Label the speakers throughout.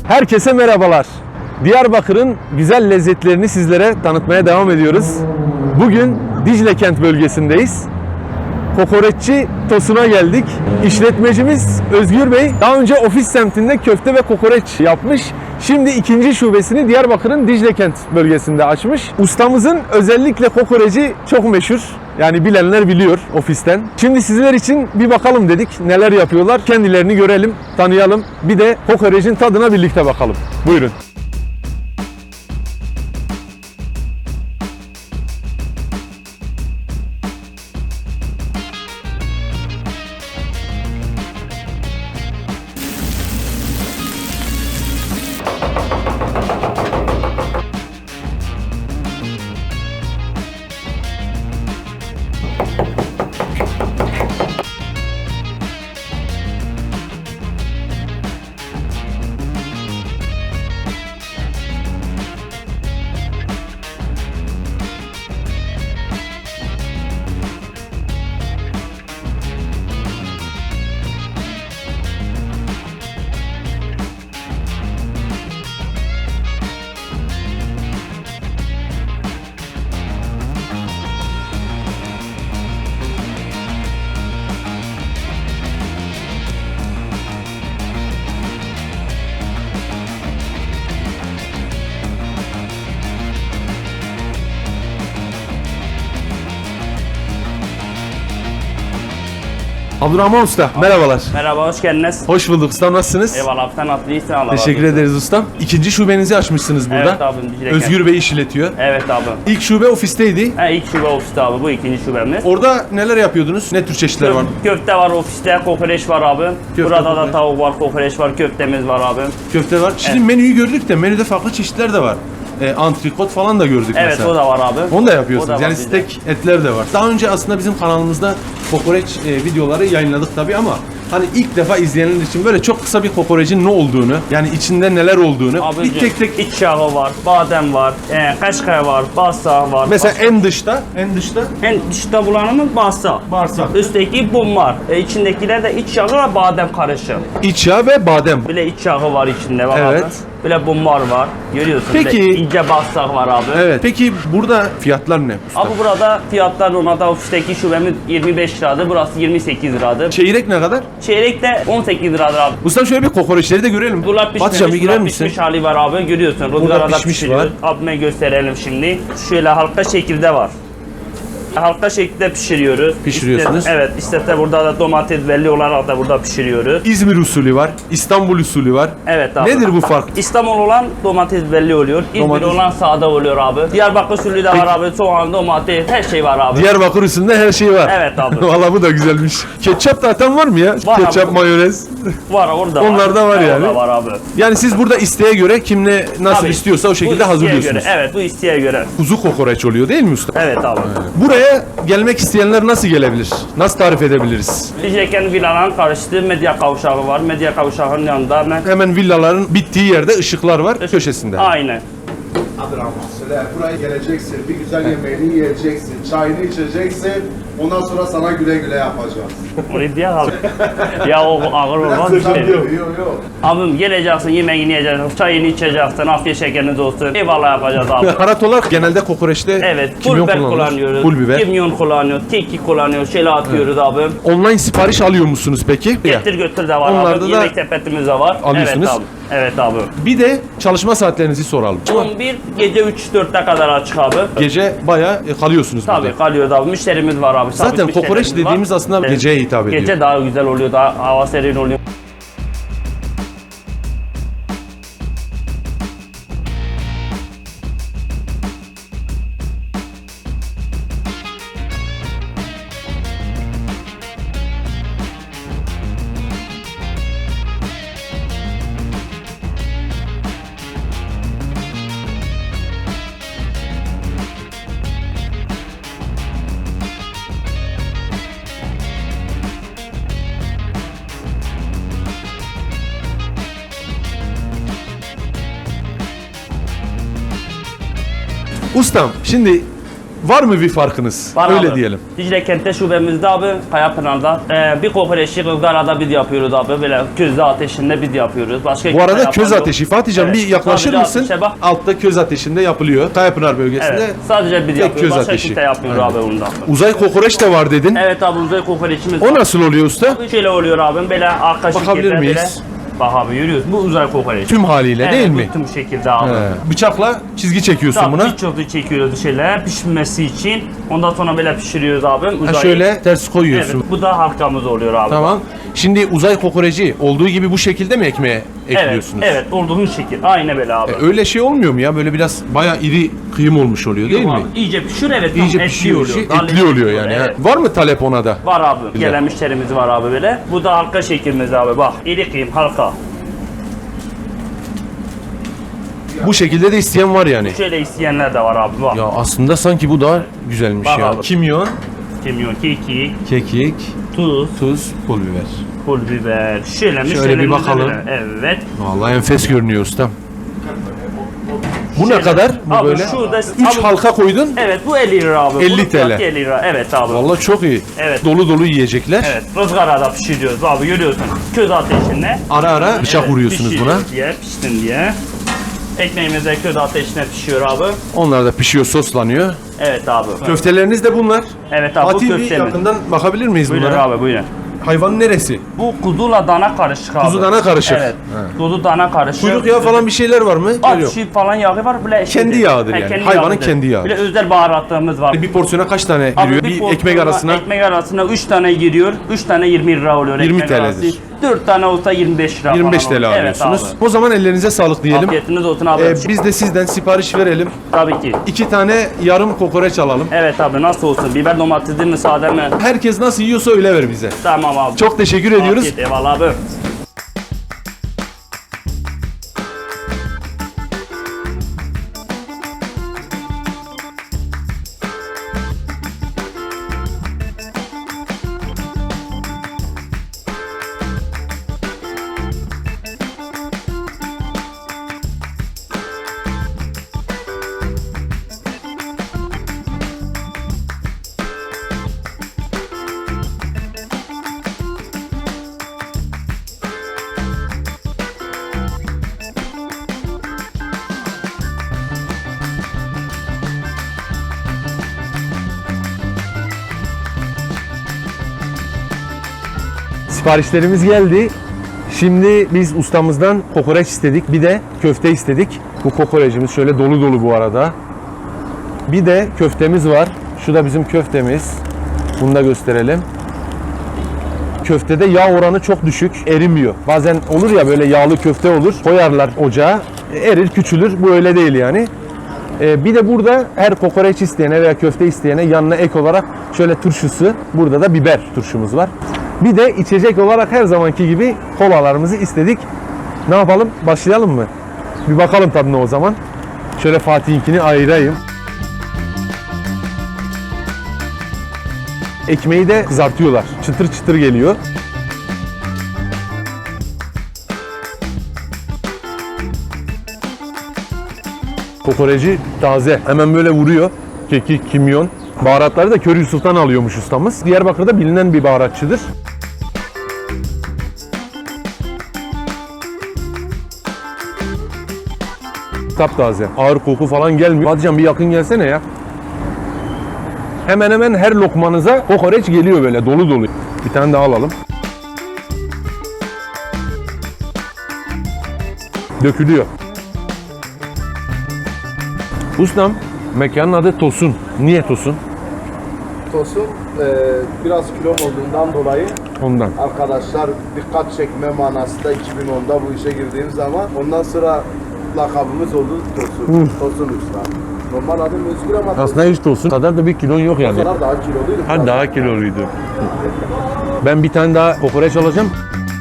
Speaker 1: Herkese merhabalar. Diyarbakır'ın güzel lezzetlerini sizlere tanıtmaya devam ediyoruz. Bugün Dicle Kent bölgesindeyiz. Kokoreççi Tosun'a geldik. İşletmecimiz Özgür Bey daha önce ofis semtinde köfte ve kokoreç yapmış. Şimdi ikinci şubesini Diyarbakır'ın Dicle Kent bölgesinde açmış. Ustamızın özellikle kokoreci çok meşhur. Yani bilenler biliyor ofisten. Şimdi sizler için bir bakalım dedik. Neler yapıyorlar? Kendilerini görelim, tanıyalım. Bir de kokorecin tadına birlikte bakalım. Buyurun. Abdurrahman Usta, merhabalar.
Speaker 2: Merhaba, hoş geldiniz.
Speaker 1: Hoş bulduk ustam, nasılsınız?
Speaker 2: Eyvallah, sen iyisin Allah
Speaker 1: Teşekkür
Speaker 2: razı olsun.
Speaker 1: ederiz ustam. İkinci şubenizi açmışsınız burada.
Speaker 2: Evet abim, Dicle
Speaker 1: Özgür Bey işletiyor.
Speaker 2: Evet abi.
Speaker 1: İlk şube ofisteydi.
Speaker 2: İlk şube ofiste abi, bu ikinci şubemiz.
Speaker 1: Orada neler yapıyordunuz? Ne tür çeşitler var?
Speaker 2: Köfte var ofiste, kokoreç var abi. Burada
Speaker 1: kokoreç.
Speaker 2: da tavuk var, kokoreç var, köftemiz var abi.
Speaker 1: Köfte var. Şimdi menüyü gördük de menüde farklı çeşitler de var. Antrikot falan da gördük
Speaker 2: Evet,
Speaker 1: mesela.
Speaker 2: o da var abi.
Speaker 1: Onu da yapıyorsunuz.
Speaker 2: O da var
Speaker 1: Yani
Speaker 2: bizde.
Speaker 1: steak etler de var. Daha önce aslında bizim kanalımızda kokoreç videoları yayınladık tabii ama hani ilk defa izleyenler için böyle çok kısa bir kokorecin ne olduğunu, yani içinde neler olduğunu
Speaker 2: Abi
Speaker 1: bir tek tek
Speaker 2: iç yağı var, badem var, kaşkay var, bağırsak var.
Speaker 1: mesela en dışta
Speaker 2: En dışta bulanımız bağırsak.
Speaker 1: bağırsak,
Speaker 2: Üstteki bum var. İçindekiler de iç yağı ve badem karışık.
Speaker 1: iç yağ ve badem.
Speaker 2: Bile iç yağı var içinde bak
Speaker 1: Evet.
Speaker 2: abi. Bile bumbar var. Görüyorsun.
Speaker 1: Peki.
Speaker 2: Bile ince bağırsak var abi.
Speaker 1: Evet. Peki burada fiyatlar ne? usta?
Speaker 2: Abi burada fiyatlar normalde ofisteki şubemiz 25 liradır. Burası 28 liradır.
Speaker 1: Çeyrek ne kadar?
Speaker 2: Çeyrek de 18 liradır abi.
Speaker 1: Ustam şöyle bir kokoreçleri de görelim.
Speaker 2: Bunlar
Speaker 1: Batacağım,
Speaker 2: pişmemiş,
Speaker 1: bir girer
Speaker 2: bunlar
Speaker 1: misin?
Speaker 2: pişmiş hali var abi. Görüyorsun. Rızgarada
Speaker 1: pişmiş
Speaker 2: pişiriyoruz. Abime gösterelim şimdi. Şöyle halka şekilde var. Halka şekilde pişiriyoruz.
Speaker 1: Pişiriyorsunuz.
Speaker 2: Evet. İşte burada da domates belli olarak da burada pişiriyoruz.
Speaker 1: İzmir usulü var, İstanbul usulü var.
Speaker 2: Evet abi.
Speaker 1: Nedir bu fark?
Speaker 2: İstanbul olan domates belli oluyor. İzmir
Speaker 1: Domates.
Speaker 2: olan sade oluyor abi. Diyarbakır usulü de var abi. Soğan, domates, her şey var abi.
Speaker 1: Diyarbakır usulünde her şey var.
Speaker 2: Evet abi.
Speaker 1: Vallahi bu da güzelmiş. Ketçap da atan var mı ya?
Speaker 2: Var
Speaker 1: Ketçap,
Speaker 2: abi.
Speaker 1: mayonez.
Speaker 2: Var orada
Speaker 1: Onlar da var yani.
Speaker 2: Orada var abi.
Speaker 1: Yani siz burada isteğe göre kim ne nasıl
Speaker 2: Tabii.
Speaker 1: istiyorsa o
Speaker 2: Bu
Speaker 1: şekilde
Speaker 2: isteğe
Speaker 1: hazırlıyorsunuz.
Speaker 2: Göre, evet bu isteğe göre.
Speaker 1: Kuzu kokoreç oluyor değil mi usta?
Speaker 2: Evet abi.
Speaker 1: Buraya gelmek isteyenler nasıl gelebilir? Nasıl tarif edebiliriz?
Speaker 2: Diyecekken villaların karıştığı medya kavşağı var. Medya kavşağının yanında hemen.
Speaker 1: Hemen villaların bittiği yerde ışıklar var köşesinde.
Speaker 2: Aynen.
Speaker 3: Abdurrahman söyle, buraya geleceksin, bir güzel yemeğini yiyeceksin, çayını içeceksin, ondan sonra sana güle güle yapacağız.
Speaker 2: Onu diye abi. Ya o ağır olmaz bir şey.
Speaker 3: Yok yok.
Speaker 2: Abim geleceksin, yemeğini yiyeceksin, çayını içeceksin, afiyet şekeriniz olsun. Eyvallah yapacağız abi.
Speaker 1: Baharat olarak genelde kokoreçte
Speaker 2: Evet, pul
Speaker 1: kimyon
Speaker 2: biber
Speaker 1: kullanılır.
Speaker 2: kullanıyoruz.
Speaker 1: Pul biber.
Speaker 2: Kimyon kullanıyoruz, kekik kullanıyoruz, şöyle atıyoruz abi.
Speaker 1: Online sipariş alıyor musunuz peki?
Speaker 2: Getir götür de var
Speaker 1: Onlarda
Speaker 2: abi.
Speaker 1: da
Speaker 2: Yemek sepetimiz de var.
Speaker 1: alıyorsunuz.
Speaker 2: Evet abi. Evet abi.
Speaker 1: Bir de çalışma saatlerinizi soralım.
Speaker 2: 11 gece 3-4'e kadar açık abi.
Speaker 1: Gece bayağı kalıyorsunuz
Speaker 2: Tabii
Speaker 1: burada.
Speaker 2: kalıyoruz abi. Müşterimiz var abi. sabit
Speaker 1: Zaten kokoreç
Speaker 2: müşterimiz var.
Speaker 1: dediğimiz aslında
Speaker 2: Evet.
Speaker 1: geceye hitap ediyor.
Speaker 2: Gece daha güzel oluyor. Daha hava serin oluyor.
Speaker 1: Ustam şimdi var mı bir farkınız?
Speaker 2: Var
Speaker 1: Öyle
Speaker 2: abi.
Speaker 1: diyelim.
Speaker 2: Dicle Kent'te şubemizde abi, Kayapınar'da. Bir kokoreçi ızgarada biz yapıyoruz abi. Böyle közde ateşinde biz yapıyoruz. Başka
Speaker 1: Bu arada
Speaker 2: kimse
Speaker 1: köz
Speaker 2: yapan
Speaker 1: ateşi.
Speaker 2: yok.
Speaker 1: Fatihcan
Speaker 2: Evet.
Speaker 1: bir yaklaşır
Speaker 2: Sadece
Speaker 1: mısın?
Speaker 2: ateşe bak.
Speaker 1: Altta köz ateşinde yapılıyor. Kayapınar bölgesinde.
Speaker 2: Evet. Sadece biz
Speaker 1: tek
Speaker 2: yapıyoruz.
Speaker 1: köz
Speaker 2: Başka
Speaker 1: ateşi.
Speaker 2: kimse yapmıyor
Speaker 1: Aynen.
Speaker 2: abi bundan.
Speaker 1: Uzay kokoreç de var dedin.
Speaker 2: Evet abi, uzay kokoreçimiz
Speaker 1: O
Speaker 2: var.
Speaker 1: nasıl oluyor usta?
Speaker 2: Şöyle oluyor abim, böyle arka
Speaker 1: Bakabilir
Speaker 2: şekilde
Speaker 1: miyiz?
Speaker 2: böyle. Bak abi, yürüyoruz. Bu uzay kokoreç.
Speaker 1: Tüm haliyle
Speaker 2: Evet,
Speaker 1: değil
Speaker 2: bu
Speaker 1: mi?
Speaker 2: tüm şekilde abi.
Speaker 1: He. Bıçakla çizgi çekiyorsun
Speaker 2: Tabii
Speaker 1: buna.
Speaker 2: birçok çekiyoruz şöyle pişmesi için. Ondan sonra böyle pişiriyoruz abi.
Speaker 1: Ha,
Speaker 2: Uzayı.
Speaker 1: şöyle ters
Speaker 2: Evet,
Speaker 1: koyuyorsun.
Speaker 2: bu da halkamız oluyor abi.
Speaker 1: Tamam. Şimdi uzay kokoreci olduğu gibi bu şekilde mi ekmeğe
Speaker 2: Evet,
Speaker 1: ekliyorsunuz?
Speaker 2: evet, olduğun şekil. Aynı böyle abi.
Speaker 1: Öyle şey olmuyor mu ya? Böyle biraz bayağı iri kıyım olmuş oluyor değil
Speaker 2: Yok
Speaker 1: mi?
Speaker 2: abi, İyice pişiyor, evet. tam
Speaker 1: İyice
Speaker 2: etli
Speaker 1: pişiyor.
Speaker 2: oluyor.
Speaker 1: Şey,
Speaker 2: Daha
Speaker 1: etli
Speaker 2: lezzetli
Speaker 1: oluyor yani.
Speaker 2: Evet.
Speaker 1: Ha. Var mı talep ona da?
Speaker 2: Var abi.
Speaker 1: Güzel.
Speaker 2: Gelen müşterimiz var abi böyle. Bu da halka şeklimiz abi, bak. İri kıyım, halka.
Speaker 1: Bu şekilde de isteyen var yani.
Speaker 2: Şöyle isteyenler de var abi, bak.
Speaker 1: Ya aslında sanki bu daha güzelmiş
Speaker 2: Bak
Speaker 1: ya.
Speaker 2: abi.
Speaker 1: Kimyon,
Speaker 2: Kimyon, kekik,
Speaker 1: kekik,
Speaker 2: tuz,
Speaker 1: tuz, pul biber.
Speaker 2: pul biber. Şöyle
Speaker 1: bir
Speaker 2: müşterilerimize
Speaker 1: bakalım.
Speaker 2: böyle. Evet.
Speaker 1: Vallahi enfes görünüyor ustam. Bu ne
Speaker 2: Şöyle.
Speaker 1: kadar? Bu
Speaker 2: Abi
Speaker 1: böyle.
Speaker 2: şurada-
Speaker 1: 3
Speaker 2: abi-
Speaker 1: halka koydun.
Speaker 2: Evet, bu 50 lira abi.
Speaker 1: 50
Speaker 2: Bunun fiyatı
Speaker 1: TL.
Speaker 2: 50 lira. Evet abi.
Speaker 1: Vallahi çok iyi.
Speaker 2: Evet.
Speaker 1: Dolu dolu yiyecekler.
Speaker 2: Evet, ızgarada pişiriyoruz abi, görüyorsun. Köz ateşinde.
Speaker 1: Ara ara bıçak
Speaker 2: Evet,
Speaker 1: vuruyorsunuz buna.
Speaker 2: pişiriyoruz diye, pişsin diye. Ekmeğimiz de köz ateşine pişiyor abi.
Speaker 1: Onlar da pişiyor, soslanıyor.
Speaker 2: Evet abi.
Speaker 1: Köfteleriniz de bunlar.
Speaker 2: Evet abi, bu
Speaker 1: Fatih bir
Speaker 2: köftemiz.
Speaker 1: yakından bakabilir miyiz
Speaker 2: Buyurun
Speaker 1: bunlara?
Speaker 2: abi, buyurun.
Speaker 1: Hayvanın neresi?
Speaker 2: Bu kuzuyla dana karışık abi.
Speaker 1: Kuzu dana karışık.
Speaker 2: Evet.
Speaker 1: He.
Speaker 2: Kuzu dana karışık.
Speaker 1: Kuyruk yağı falan bir şeyler var mı?
Speaker 2: At
Speaker 1: Yok.
Speaker 2: çiğ falan yağı var. Böyle
Speaker 1: Kendi yağıdır yani. Hayvanın kendi yağı.
Speaker 2: Böyle özel baharatlarımız var.
Speaker 1: Bir porsiyona kaç tane
Speaker 2: Abi
Speaker 1: giriyor? Bir
Speaker 2: porsiyona,
Speaker 1: ekmek arasına
Speaker 2: Ekmek arasına 3 tane giriyor. 3 tane 20 lira oluyor
Speaker 1: 20
Speaker 2: ekmek arası.
Speaker 1: TL'dir.
Speaker 2: 4 tane olsa 25 lira
Speaker 1: 25
Speaker 2: falan
Speaker 1: TL
Speaker 2: oluyor.
Speaker 1: alıyorsunuz.
Speaker 2: Evet abi.
Speaker 1: O zaman ellerinize sağlık diyelim.
Speaker 2: Afiyetiniz olsun abi.
Speaker 1: Biz de sizden sipariş verelim.
Speaker 2: Tabii ki.
Speaker 1: 2 tane yarım kokoreç alalım.
Speaker 2: Evet abi, nasıl olsun? Biber domatesli mi, sade mi?
Speaker 1: Herkes nasıl yiyorsa öyle ver bize.
Speaker 2: Tamam abi.
Speaker 1: Çok teşekkür ediyoruz.
Speaker 2: Afiyet, eyvallah abi.
Speaker 1: Siparişlerimiz geldi. Şimdi biz ustamızdan kokoreç istedik. Bir de köfte istedik. Bu kokorecimiz şöyle dolu dolu bu arada. Bir de köftemiz var. Şu da bizim köftemiz. Bunu da gösterelim. Köftede yağ oranı çok düşük. Erimiyor. Bazen olur ya böyle yağlı köfte olur. Koyarlar ocağa. Erir, küçülür. Bu öyle değil yani. Bir de burada her kokoreç isteyene veya köfte isteyene yanına ek olarak şöyle turşusu. Burada da biber turşumuz var. Bir de içecek olarak her zamanki gibi kolalarımızı istedik. Ne yapalım? Başlayalım mı? Bir bakalım tadına o zaman. Şöyle Fatih'inkini ayırayım. Ekmeği de kızartıyorlar. Çıtır çıtır geliyor. Kokoreci taze. Hemen böyle vuruyor. Kekik, kimyon. Baharatları da Köri Yusuf'tan alıyormuş ustamız. Diyarbakır'da bilinen bir baharatçıdır. Taptaze. Ağır koku falan gelmiyor. Hatice'm bir yakın gelsene ya. Hemen hemen her lokmanıza kokoreç geliyor böyle dolu dolu. Bir tane daha alalım. Dökülüyor. Ustam, mekanın adı Tosun. Niye Tosun?
Speaker 3: Tosun biraz kilo olduğundan dolayı
Speaker 1: Ondan.
Speaker 3: arkadaşlar dikkat çekme manasında 2010'da bu işe girdiğim zaman ondan sonra lakabımız oldu Tosun. Tosun Usta. Normal adım Özgür ama
Speaker 1: Aslında hiç Tosun kadar da bir kilon yok yani.
Speaker 3: Tosunlar daha kiloluydu.
Speaker 1: Ha daha kiloluydu. Ben bir tane daha kokoreç alacağım.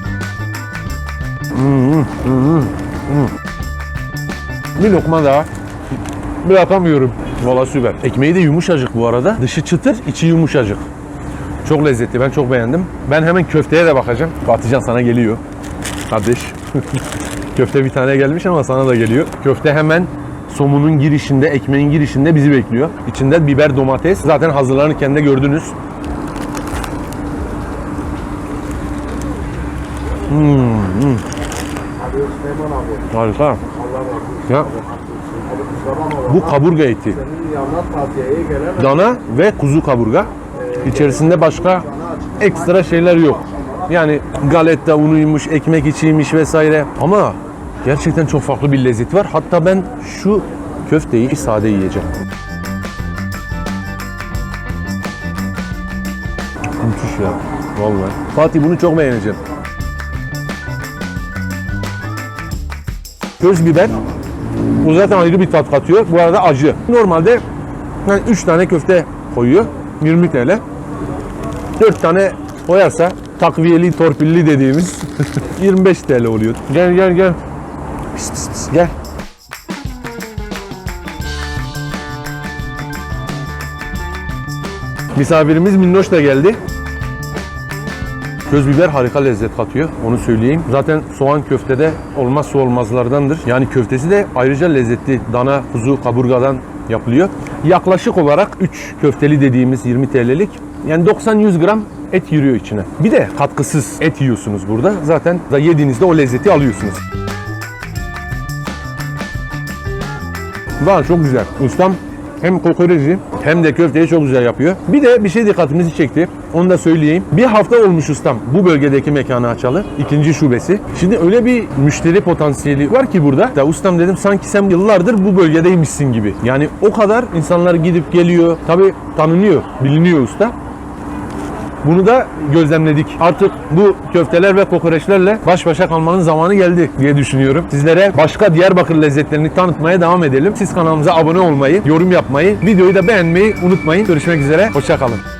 Speaker 1: Bir lokma daha. Bırakamıyorum. Valla süper. Ekmeği de yumuşacık bu arada. Dışı çıtır, içi yumuşacık. Çok lezzetli. Ben çok beğendim. Ben hemen köfteye de bakacağım. Batıcan sana geliyor. Kardeş. Köfte bir tane gelmiş ama sana da geliyor. Köfte hemen somunun girişinde, ekmeğin girişinde bizi bekliyor. İçinde biber, domates. Zaten hazırlanırken de gördünüz.
Speaker 3: Abi Süleyman abi.
Speaker 1: Harika.
Speaker 3: Allah razı olsun.
Speaker 1: Ya
Speaker 3: Abi kusura bakma
Speaker 1: bu
Speaker 3: bana.
Speaker 1: kaburga eti.
Speaker 3: Senin yanına tavsiyeye gelen
Speaker 1: Dana ve kuzu kaburga. İçerisinde başka ekstra şeyler yok. Yani galeta unuymuş, ekmek içiymiş vesaire. Ama gerçekten çok farklı bir lezzet var. Hatta ben şu köfteyi sade yiyeceğim. Müthiş ya. Vallahi. Fatih bunu çok beğeneceğim. Köz biber. Bu zaten ayrı bir tat katıyor. Bu arada acı. Normalde yani 3 tane köfte koyuyor. 20 TL. 4 tane koyarsa takviyeli, torpilli dediğimiz 25 TL oluyor. Gel gel gel. Pis, pis, pis, gel. Misafirimiz Minnoş da geldi. Köz biber harika lezzet katıyor, onu söyleyeyim. Zaten soğan köftede olmazsa olmazlardandır. Yani köftesi de ayrıca lezzetli. Dana, kuzu, kaburgadan yapılıyor. Yaklaşık olarak 3 köfteli dediğimiz 20 TL'lik. Yani 90-100 gram et yürüyor içine. Bir de katkısız et yiyorsunuz burada. Zaten da yediğinizde o lezzeti alıyorsunuz. Valla çok güzel. Ustam hem kokoreci hem de köfteyi çok güzel yapıyor. Bir de bir şey dikkatimizi çekti. Onu da söyleyeyim. Bir hafta olmuş ustam bu bölgedeki mekanı açalı. 2. şubesi. Şimdi öyle bir müşteri potansiyeli var ki burada. Da ustam dedim sanki sen yıllardır bu bölgedeymişsin gibi. Yani o kadar insanlar gidip geliyor. Tabii tanınıyor, biliniyor usta. Bunu da gözlemledik. Artık bu köfteler ve kokoreçlerle baş başa kalmanın zamanı geldi diye düşünüyorum. Sizlere başka Diyarbakır lezzetlerini tanıtmaya devam edelim. Siz kanalımıza abone olmayı, yorum yapmayı, videoyu da beğenmeyi unutmayın. Görüşmek üzere, hoşça kalın.